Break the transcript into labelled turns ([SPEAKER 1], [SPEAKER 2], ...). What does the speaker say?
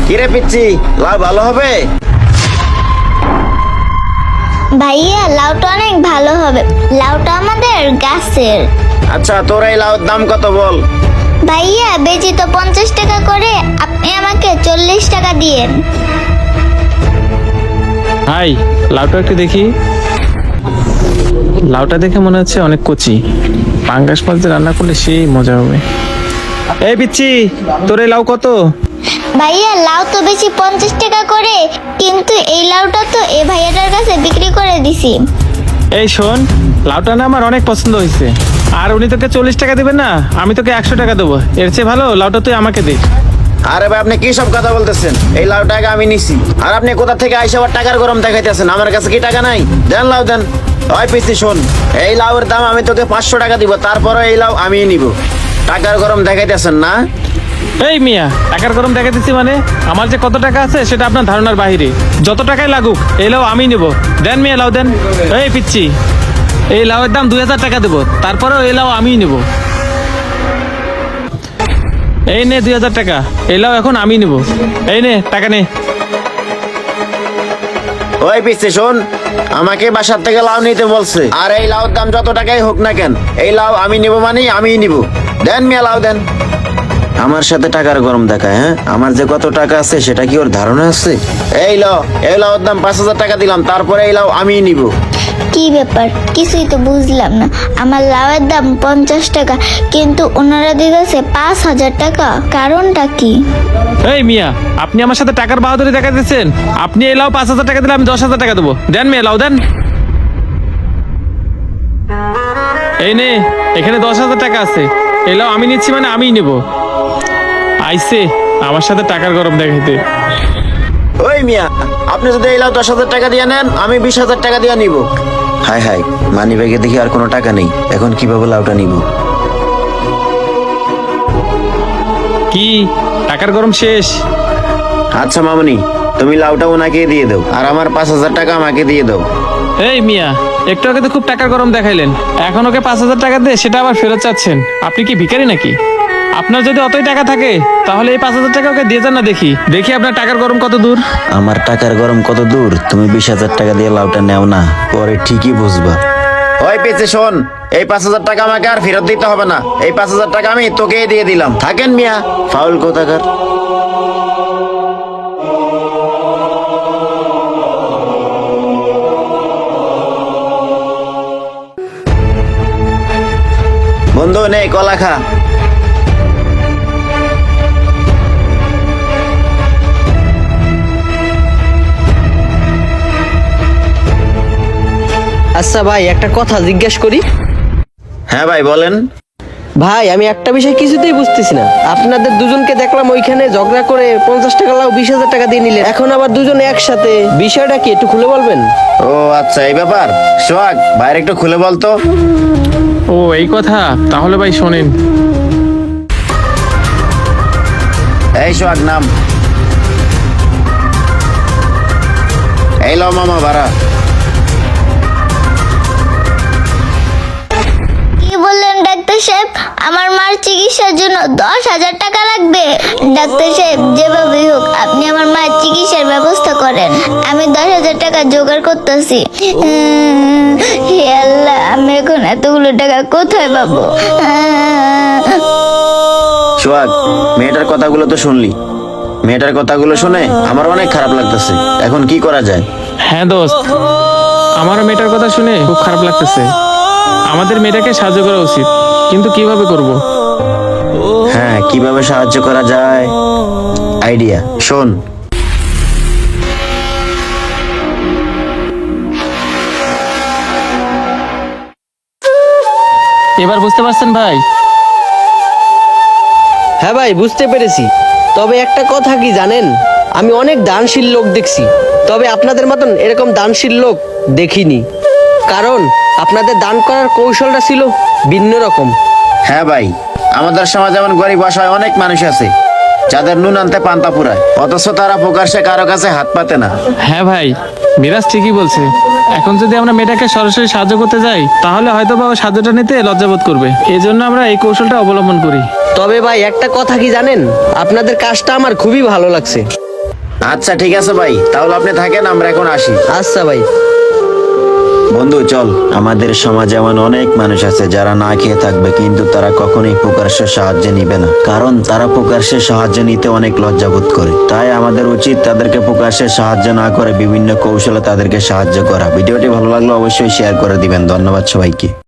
[SPEAKER 1] কিরে পিচ্ছি, লাউ ভালো হবে?
[SPEAKER 2] ভাইয়া লাউটা অনেক ভালো হবে, লাউটা আমাদের গাছের।
[SPEAKER 1] আচ্ছা, তোর এই লাউর দাম কত বল?
[SPEAKER 2] ভাইয়া বেচি তো 50 টাকা করে, আপনি আমাকে 40 টাকা দিয়েন।
[SPEAKER 3] ভাই লাউটা একটু দেখি। লাউটা দেখে মনে হচ্ছে অনেক কচি, পাঙ্গাস মাছ দিয়ে রান্না করলে সেই মজা হবে। এই পিচ্ছি, তোর এই লাউ কত?
[SPEAKER 2] ভাইয়া লাউ তো বেশি 50 টাকা করে, কিন্তু এই লাউটা তো এই ভাইয়াটার কাছে বিক্রি করে দিছি।
[SPEAKER 3] এই শোন, লাউটা না আমার অনেক পছন্দ হয়েছে, আর উনি তোকে 40 টাকা দিবেন না, আমি তোকে 100 টাকা দেবো। এর চেয়ে ভালো লাউটা তুই আমাকে দে।
[SPEAKER 1] আরে ভাই, আপনি কি সব কথা বলতেছেন? এই লাউ টাকা আমি নিছি, আর আপনি কোথা থেকে আইসা আবার টাকার গরম দেখাইতেছেন? আমার কাছে কি টাকা নাই? দেন লাউ দেন। ওই পিচ্ছি শোন, এই লাউয়ের দাম আমি তোকে 500 টাকা দিব, তারপরে এই লাউ আমি নিব। টাকার গরম দেখাইতেছেন না?
[SPEAKER 3] এই মিয়া, টাকার গরম দেখা দিচ্ছি মানে? আমার যে কত টাকা আছে সেটা আপনার ধারণার বাহিরে। যত টাকাই লাগুক এই লাউ আমি নেব। দেন মিয়া লাউ দেন। এই পিচ্ছি, এই লাউয়ের দাম 2000 টাকা দেবো, তারপরেও এই লাউ আমিই নেব। এই নে 2000 টাকা, এই লাউ এখন আমি নেব। এই নে টাকা নে।
[SPEAKER 1] ওই পিচ্ছি শোন, আমাকে বাসার থেকে লাউ নিতে বলছে, আর এই লাউর দাম যত টাকাই হোক না কেন, এই লাউ আমি নিব মানে আমিই নিব। দেন মিয়া লাউ দেন। আমার সাথে টাকার গরম দেখায়, হ্যাঁ? আমার যে কত টাকা আছে সেটা কি ওর ধারণা আছে? এই লাউর দাম 5000 টাকা দিলাম, তারপরে এই লাউ আমিই নিব।
[SPEAKER 2] কি ব্যাপার, কিছুই তো বুঝলাম না। আমার লাউয়ের দাম 50 টাকা, কিন্তু ওনারা দিতেছে 5000 টাকা, কারণটা কি?
[SPEAKER 3] এই মিয়া, আপনি আমার সাথে টাকার বাহাদুরি দেখা দিচ্ছেন। আপনি এই লাউ 5000 টাকা দিলে আমি 10,000 টাকা দেবো। দেন মিয়া লাউ দেন। এই নে, এখানে 10,000 টাকা আছে। এই লাউ আমি নিচ্ছি মানে আমিই নেব। আইসে আমার সাথে টাকার গরম দেখাইতে।
[SPEAKER 1] ওই মিয়া, আপনি যদি এই লাউ 10,000 টাকা দিয়ে নেন, আমি 20,000 টাকা দিয়ে নিব। হাই হাই, মানি ব্যাগে দেখি আর কোনো টাকা নেই, এখন কিভাবে লাউটা নিব?
[SPEAKER 3] কি টাকার গরম শেষ?
[SPEAKER 1] আচ্ছা মামনি, তুমি লাউটা ওনাকে দিয়ে দাও, আর আমার 5000 টাকা আমাকে দিয়ে দাও।
[SPEAKER 3] এই মিয়া, একটু আগে তো খুব টাকার গরম দেখাইলেন, এখন ওকে 5000 টাকা দিয়ে সেটা আবার ফেরত চাচ্ছেন? আপনি কি ভিখারি নাকি? আপনার যদি অতই টাকা থাকে তাহলে এই 5000 টাকা ওকে দিয়ে যান না, দেখি দেখি আপনার টাকার গরম কত দূর।
[SPEAKER 1] আমার টাকার গরম কত দূর? তুমি 20,000 টাকা দিয়ে লাউটা নেও না, পরে ঠিকই বুঝবা। ওই পেছে শোন, এই 5000 টাকা আমাকে আর ফেরত দিতে হবে না। এই 5000 টাকা আমি তোকে দিয়ে দিলাম, থাকেন মিয়া, ফাউল কোথাকার। বন্ধু নে কলা খা।
[SPEAKER 4] আচ্ছা ভাই, একটা কথা জিজ্ঞেস করি।
[SPEAKER 1] হ্যাঁ ভাই বলেন।
[SPEAKER 4] ভাই আমি একটা বিষয় কিছুতেই বুঝতেছি না, আপনাদের দুজনকে দেখলাম ওইখানে ঝগড়া করে 50 টাকা লাও 20,000 টাকা দিয়ে নিলেন, এখন আবার দুজনে একসাথে, বিষয়টা কি একটু খুলে বলবেন?
[SPEAKER 1] ও আচ্ছা, এই ব্যাপার। সোহাগ, বাইরে একটু খুলে বলতো।
[SPEAKER 3] ও এই কথা, তাহলে ভাই শোনেন।
[SPEAKER 1] এই সোহাগ নাম। এই লো মামা ভাড়া।
[SPEAKER 2] কি বললেন ডাক্তার সাহেব? আমার মার চিকিৎসার জন্য 10,000 টাকা লাগবে? ডাক্তার সাহেব, যেভাবেই হোক আপনি আমার মায়ের চিকিৎসার ব্যবস্থা করেন, আমি 10,000 টাকা জোগাড় করতেছি। হে আল্লাহ, আমি এখন এতগুলো টাকা কোথায় পাবো?
[SPEAKER 1] সোহাগ, মেয়েটার কথাগুলো তো শুনলি। মেয়েটার কথাগুলো শুনে আমার অনেক খারাপ লাগতেছে, এখন কি করা যায়?
[SPEAKER 3] হ্যাঁ দোস্ত, আমারও মেয়েটার কথা শুনে খুব খারাপ লাগতেছে। আমাদের মেয়েটাকে সাহায্য করা উচিত, কিন্তু কিভাবে করব?
[SPEAKER 1] হ্যাঁ, কিভাবে সাহায্য করা যায়? আইডিয়া শোন।
[SPEAKER 3] এবার বুঝতে পারছেন ভাই?
[SPEAKER 4] হ্যাঁ ভাই, বুঝতে পেরেছি। তবে একটা কথা কি জানেন, আমি অনেক দানশীল লোক দেখছি, তবে আপনাদের মতন এরকম দানশীল লোক দেখিনি। কারণ আপনাদের দান করার কৌশলটা ছিল ভিন্ন রকম।
[SPEAKER 1] হ্যাঁ ভাই, আমাদের সমাজে এমন গরিব অসহায় অনেক মানুষ আছে যাদের নুন আনতে পান্তা পুরায়, অথচ তারা প্রকাশ্যে কারো কাছে হাত পাতে না।
[SPEAKER 3] হ্যাঁ ভাই, মিরাজ ঠিকই বলছে। এখন যদি আমরা মেয়েটাকে সরাসরি সাহায্য করতে যাই তাহলে হয়তো বা ও সাহায্যটা নিতে লজ্জাবোধ করবে, এই জন্য আমরা এই কৌশলটা অবলম্বন করি।
[SPEAKER 4] তবে ভাই একটা কথা কি জানেন, আপনাদের কাজটা আমার খুবই ভালো লাগছে।
[SPEAKER 1] আচ্ছা ঠিক আছে ভাই, তাহলে আপনি থাকেন, আমরা এখন আসি।
[SPEAKER 4] আচ্ছা ভাই।
[SPEAKER 1] বন্ধু চল, আমাদের সমাজে এমন অনেক মানুষ আছে যারা না খেয়ে থাকবে, কিন্তু তারা কখনোই প্রকাশ্যে সাহায্য নিবে না, কারণ তারা প্রকাশ্যে সাহায্য নিতে অনেক লজ্জাবোধ করে। তাই আমাদের উচিত তাদেরকে প্রকাশ্যে সাহায্য না করে বিভিন্ন কৌশলে তাদেরকে সাহায্য করা। ভিডিওটি ভালো লাগলে অবশ্যই শেয়ার করে দিবেন। ধন্যবাদ সবাইকে।